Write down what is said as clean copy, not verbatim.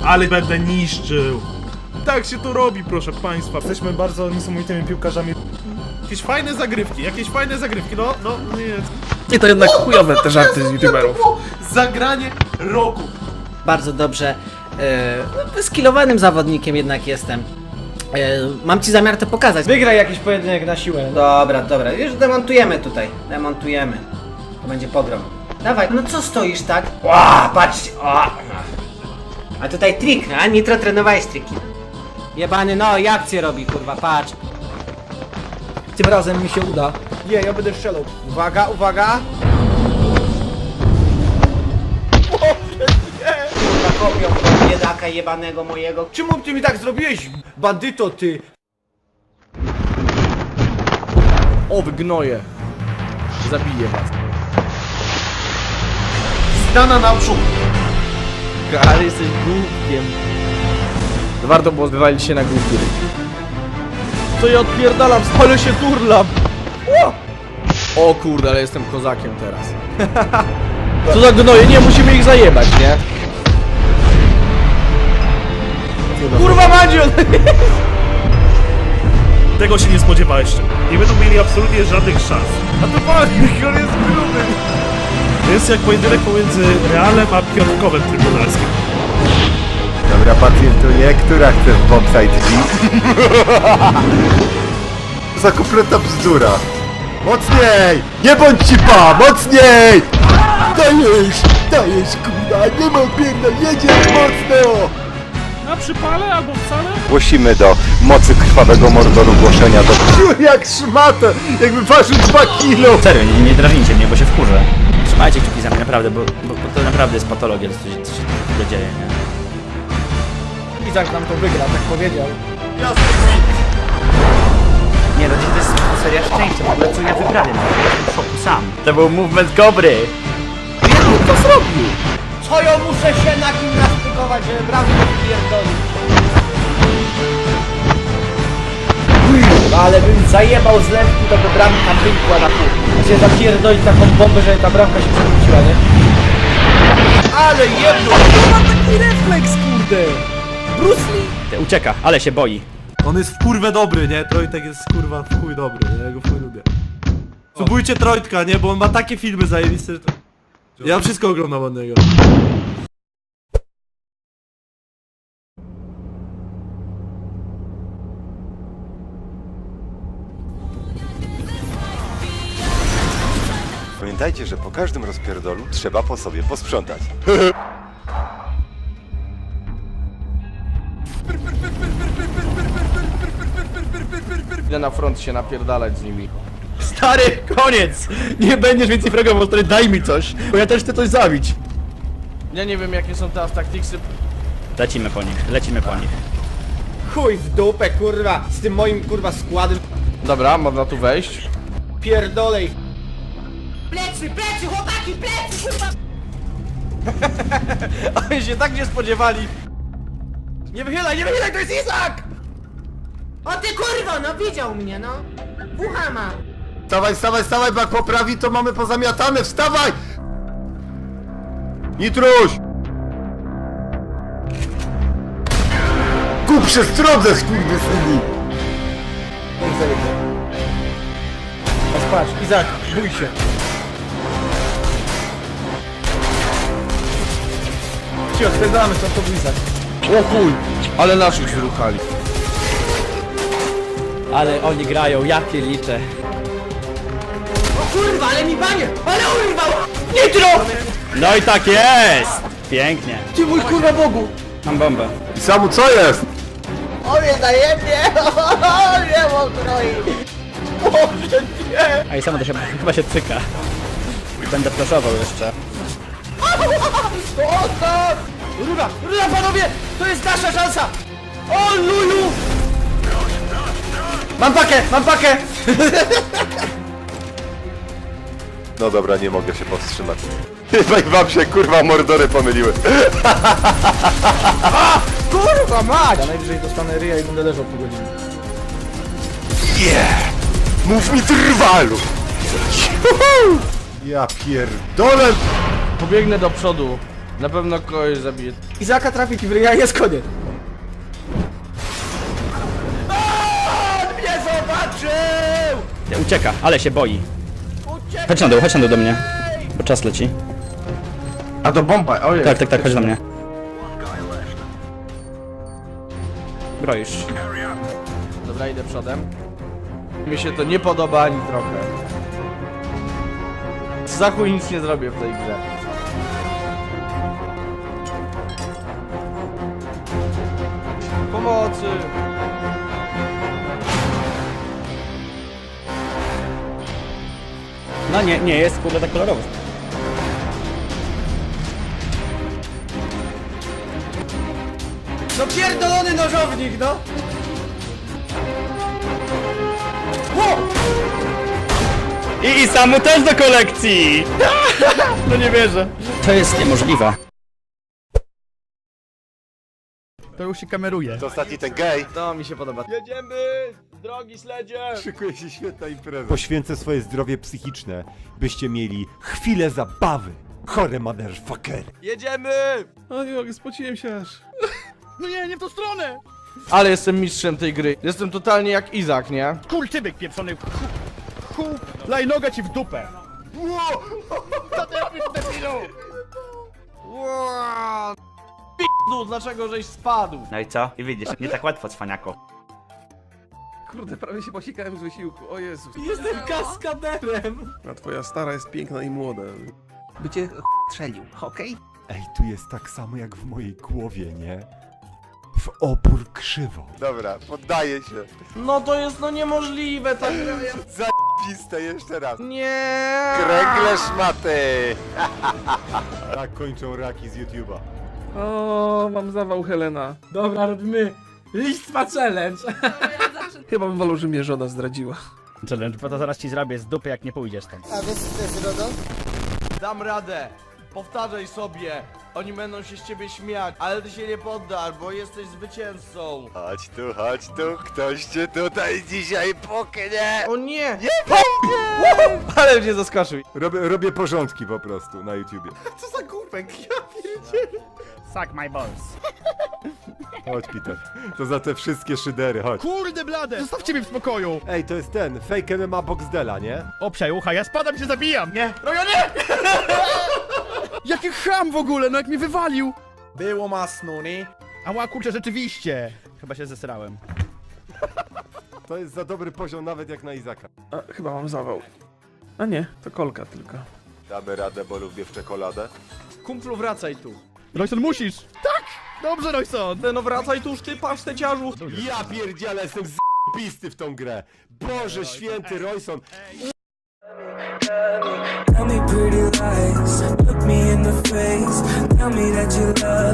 Ale będę niszczył. Tak się to robi, proszę państwa. Jesteśmy bardzo niesamowitymi piłkarzami. Jakieś fajne zagrywki, no nie. Nie, to jednak chujowe te żarty z youtuberów. Zagranie roku. Bardzo dobrze wyskillowanym zawodnikiem jednak jestem. Mam ci zamiar to pokazać. Wygraj jakiś pojedynek na siłę. Dobra, już demontujemy tutaj. Demontujemy. To będzie pogrom. Dawaj, no co stoisz tak? O, patrzcie, o. A tutaj trik, a Nitro trenowałeś triki. Jebany, no i akcję robi, kurwa, patrz. Tym razem mi się uda. Nie, ja będę strzelał. Uwaga, uwaga. Zakopią biedaka jebanego mojego. Czemu ty mi tak zrobiłeś, bandyto ty? O, wygnoję. Zabiję was. Zdana naprzód. Ale jesteś głupiem. Warto było wywalić się na głupie. To ja odpierdalam, ale się turlam. O kurde, ale jestem kozakiem teraz. Co za gnoje, nie, musimy ich zajebać, nie? Kurwa Mandzio! Tego się nie spodziewałeś. Nie będą mieli absolutnie żadnych szans. A to pan, on jest gruby. To jest jak pojedynek pomiędzy Realem a Piotrkowem Trybunalskim. Dobra, pacjentuję, która chce w bombsite drzwi? Za kompletna bzdura. Mocniej! Nie bądź cipa! Mocniej! Dajesz, kurwa, nie ma pierdol, jedziesz mocno! Na przypale albo wcale? Głosimy do mocy krwawego mordoru głoszenia do... Jak szmatę! Jakby ważył 2 kilo! Serio, nie drażnijcie mnie, bo się wkurzę. Trzymajcie kciuki za mnie, naprawdę, bo to naprawdę jest patologia, co się tu dzieje, nie? Izak nam to wygra, tak powiedział. Nie, no to jest seria szczęścia, w ogóle co ja wyprawiam, jestem w szoku sam. To był movement Kobry! Co ja muszę się nagimnastykować, żeby bramkę pierdolić? Ale bym zajebał z lewki, to by bramka pękła na pół. Chcę zapierdolić taką bombę, żeby ta bramka się przewróciła, nie? Ale jedno! To ma taki refleks, kurde! Bruce Lee! Ucieka, ale się boi. On jest w kurwę dobry, nie? Trojtek jest kurwa w chuj dobry, nie? Ja go w chuj lubię. Subujcie Trojtka, nie? Bo on ma takie filmy zajebiste, że to... Ja wszystko oglądam od niego. Pamiętajcie, że po każdym rozpierdolu trzeba po sobie posprzątać. Idę na front się napierdalać z nimi. Stary, koniec! Nie będziesz więcej fragował, stary, daj mi coś, bo ja też chcę coś zabić. Ja nie wiem jakie są teraz taktiksy. Lecimy po nich. Chuj w dupę, kurwa! Z tym moim, kurwa, składem. Dobra, można tu wejść. Pierdolej! Plecy, chłopaki, plecy, kurwa! Oni się tak nie spodziewali. Nie wychylaj, to jest Izak! O ty kurwo, no widział mnie, no! Bucha ma! Wstawaj, bo jak poprawi, to mamy pozamiatane, wstawaj! Nitruś! Kup się stronę, skurwysyni! Nie zajebie. Patrz, Izak, bój się. Ci odpędzamy, co to był Izak. O chuj, ale naszych wyruchali. Ale oni grają, ja pierliczę. O kurwa, ale mi banie! Ale urwał! No i tak jest! Pięknie. Ty mój kurwa Bogu! Mam bombę. I samu co jest? O mnie zajebnie! O nie mam kroi! A i samo to się, chyba się cyka. Będę flashował jeszcze. Rura, panowie! To jest nasza szansa! O luju! Mam pakę! No dobra, nie mogę się powstrzymać. Chyba i wam się kurwa mordory pomyliły. Kurwa mać! Ja najwyżej dostanę ryja i będę leżał pół godziny. Mów mi trwalu! Ja pierdolę! Pobiegnę do przodu. Na pewno kogoś zabije. Izaka trafi ci w ryja i jest koniec. On mnie zobaczył! Ucieka, ale się boi. Chodź na dół do mnie. Bo czas leci. A to bomba, ojej. Tak, chodź do mnie. Broisz. Dobra, idę przodem. Mi się to nie podoba ani trochę. Za chuj nic nie zrobię w tej grze. Pomocy! No nie jest kurde tak kolorowo. No pierdolony nożownik, no! I samu też do kolekcji! No nie wierzę. To jest niemożliwe. To już się kameruje. To ostatni ten gej. To mi się podoba. Jedziemy! Drogi śledzie! Szykuje się świetna impreza. Poświęcę swoje zdrowie psychiczne, byście mieli chwilę zabawy. Chore motherfucker. Jedziemy! O nie mogę, spociłem się aż. No nie w tą stronę! Ale jestem mistrzem tej gry. Jestem totalnie jak Izak, nie? Kurtybyk pieprzony. Laj noga ci w dupę. Co ty robisz, debilu? Wow. P***u, dlaczego żeś spadł? No i co? I widzisz, nie tak łatwo, cwaniako. Kurde, prawie się posikałem z wysiłku, o Jezus. Jestem kaskaderem! A twoja stara jest piękna i młoda. By cię strzelił, okej? Ej, tu jest tak samo jak w mojej głowie, nie? W opór krzywo. Dobra, poddaję się. No to jest no niemożliwe, ta gra jest... Zajebiste, jeszcze raz. Nie. Kręgle szmaty! Tak kończą raki z YouTube'a. O, mam zawał Helena. Dobra, robimy listwa challenge. Chyba bym wolał, że mnie żona zdradziła. Challenge, bo to zaraz ci zrobię z dupy, jak nie pójdziesz stąd. A wiesz co to jest RODO? Dam radę. Powtarzaj sobie. Oni będą się z ciebie śmiać, ale ty się nie poddasz, bo jesteś zwycięzcą. Chodź tu, ktoś cię tutaj dzisiaj poknie! O nie! Nie! Ale mnie zaskoczył. Robię porządki po prostu na YouTubie. Co za głupek, ja pierdzielę. Suck my balls. Chodź, Peter. To za te wszystkie szydery, chodź. Kurde blade! Zostawcie mnie w spokoju! Ej, to jest ten, fake MMA Boxdela, nie? Obsiaj ucha, ja spadam i się zabijam! Nie. Jaki cham w ogóle, no jak mnie wywalił! Było masno, nie? Ała kurczę, rzeczywiście! Chyba się zesrałem. To jest za dobry poziom nawet jak na Izaka. A, chyba mam zawał. A nie, to kolka tylko. Damy radę, bo lubię w czekoladę. Kumplu, wracaj tu. Royson, musisz! Tak! Dobrze, Royson! No wracaj tu, ty paszteciarzu. Ja pierdzielę, jestem z***bisty w tą grę. Boże święty, Royson. Tell me pretty lies, look me in the face. Tell me that you love